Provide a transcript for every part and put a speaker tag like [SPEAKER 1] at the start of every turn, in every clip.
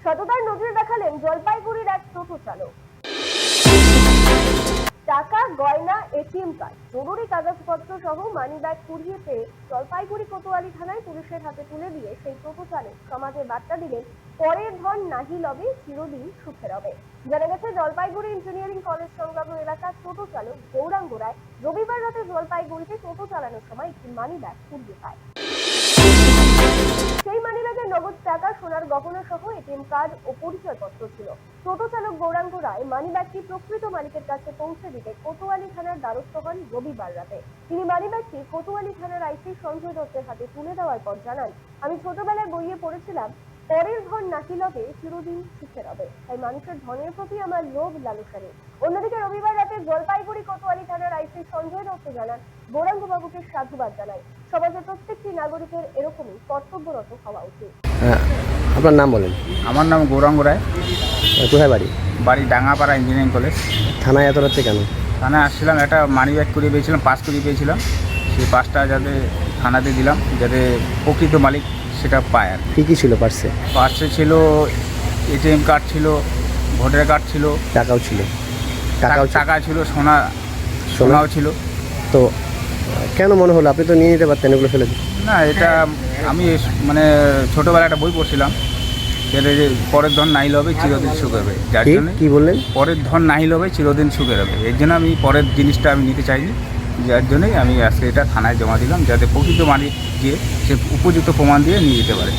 [SPEAKER 1] সততার নজির দেখালেন জলপাইগুড়ির এক টোটো চালক। টাকা, গয়না, এটিএম কার্ড, জরুরি কাগজপত্র সহ মানিব্যাগ কুড়িয়ে পেয়ে জলপাইগুড়ি কোতোয়ালি থানায় পুলিশের হাতে তুলে দিয়ে সেই টোটো চালক সমাজে বার্তা দিলেন, পরের ধন নাহি লবে, চিরদিন সুখে রবে। জানা গেছে, জলপাইগুড়ি ইঞ্জিনিয়ারিং কলেজ সংলগ্ন এলাকার টোটো চালক গৌরাঙ্গ রায় রবিবার রাতে জলপাইগুড়িতে টোটো চালানোর সময় একটি মানিব্যাগ কুড়িয়ে পায়। সেই মানিব্যাগে নগদ টাকা, সোনার গহনা সহ এটিএম কার্ড ও পরিচয়পত্র ছিল। টোটো চালক গৌরাঙ্গ রায় মানিব্যাগটি প্রকৃত মালিকের কাছে পৌঁছে দিতে কোতোয়ালি থানার দ্বারস্থ হন রবিবার রাতে। তিনি মানিব্যাগটি কোতোয়ালি থানার আইসি সঞ্জয় দত্তের হাতে তুলে দেওয়ার পর জানান, আমি ছোটবেলায় বইয়ে পড়েছিলাম, পরের ধন নাহি লবে, চিরদিন সুখে রবে। তাই মানুষের ধনের প্রতি আমার লোভ লালসা নেই। অন্যদিকে রবিবার রাতে জলপাইগুড়ি কোতোয়ালি থানার আইসি সঞ্জয় দত্ত জানান, গৌরাঙ্গ বাবুকে সাধুবাদ জানাই। সমাজের প্রত্যেকটি নাগরিকের এরকমই কর্তব্যরত হওয়া উচিত।
[SPEAKER 2] আপনার নাম বলেন।
[SPEAKER 3] আমার নাম গৌরাঙ্গ রায়।
[SPEAKER 2] কোথায় বাড়ি?
[SPEAKER 3] বাড়ি ডাঙ্গাপাড়া ইঞ্জিনিয়ারিং কলেজ।
[SPEAKER 2] থানায় এত রাত্রে কেন?
[SPEAKER 3] থানায় আসছিলাম, একটা মানি ব্যাগ করিয়ে পেয়েছিলাম, পাস করিয়ে পেয়েছিলাম। সেই পাসটা যাতে থানাতে দিলাম, যাতে প্রকৃত মালিক সেটা পায়। আর
[SPEAKER 2] কী কী ছিল পার্সে?
[SPEAKER 3] পার্সে ছিল এটিএম কার্ড ছিল, ভোটার কার্ড ছিল,
[SPEAKER 2] টাকাও ছিল।
[SPEAKER 3] টাকা ছিল, সোনাও ছিল।
[SPEAKER 2] তো কেন মনে হলো আপনি তো নিয়ে নিতে পারতেন এগুলো ফেলে?
[SPEAKER 3] না, এটা আমি মানে ছোটোবেলায় একটা বই পড়ছিলাম, যেটা যে পরের ধন নাহি লবে, চিরদিন সুখে রবে। যার জন্য
[SPEAKER 2] কি বললেন?
[SPEAKER 3] পরের ধন নাহি লবে, চিরদিন সুখে রবে। এর জন্য আমি পরের জিনিসটা আমি নিতে চাইনি। যার জন্যই আমি আজকে এটা থানায় জমা দিলাম, যাতে প্রকৃত মালিক গিয়ে সে উপযুক্ত প্রমাণ দিয়ে নিয়ে যেতে পারে।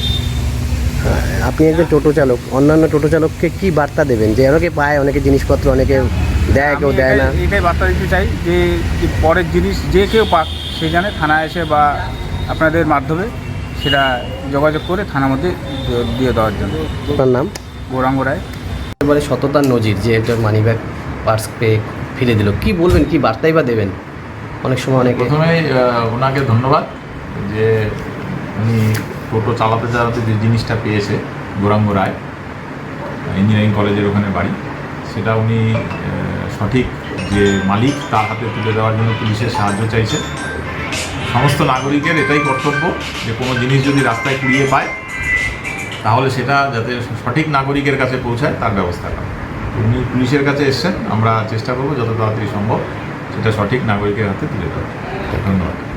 [SPEAKER 2] আপনি একজন টোটো চালক, অন্যান্য টোটো চালককে কি বার্তা দেবেন? যে অনেকে পায়, অনেকে জিনিসপত্র অনেকে দেয়, কেউ দেয় না।
[SPEAKER 3] এটাই বার্তা দিতে চাই যে পরের জিনিস যে কেউ পাক, সে জানে থানায় এসে বা আপনাদের মাধ্যমে সেটা যোগাযোগ করে থানার মধ্যে দিয়ে দেওয়ার জন্য।
[SPEAKER 2] আপনার নাম?
[SPEAKER 3] গৌরাঙ্গ রায়।
[SPEAKER 2] এবারে সততার নজির যে একটা মানিব্যাগ পার্স পেয়ে ফেলে দিল, কি বলবেন, কি বার্তাই বা দেবেন? অনেক সময় অনেকে
[SPEAKER 4] প্রথমেই ওনাকে ধন্যবাদ যে উনি টোটো চালাতে চালাতে যে জিনিসটা পেয়েছে, গৌরাঙ্গ রায় ইঞ্জিনিয়ারিং কলেজের ওখানে বাড়ি, সেটা উনি সঠিক যে মালিক তার হাতে তুলে দেওয়ার জন্য পুলিশের সাহায্য চাইছে। সমস্ত নাগরিকের এটাই কর্তব্য যে কোনো জিনিস যদি রাস্তায় কুড়িয়ে পায় তাহলে সেটা যাতে সঠিক নাগরিকের কাছে পৌঁছায় তার ব্যবস্থা করা। উনি পুলিশের কাছে এসছেন, আমরা চেষ্টা করব যত তাড়াতাড়ি সম্ভব সেটা সঠিক নাগরিকের হাতে তুলে দেওয়া। ধন্যবাদ।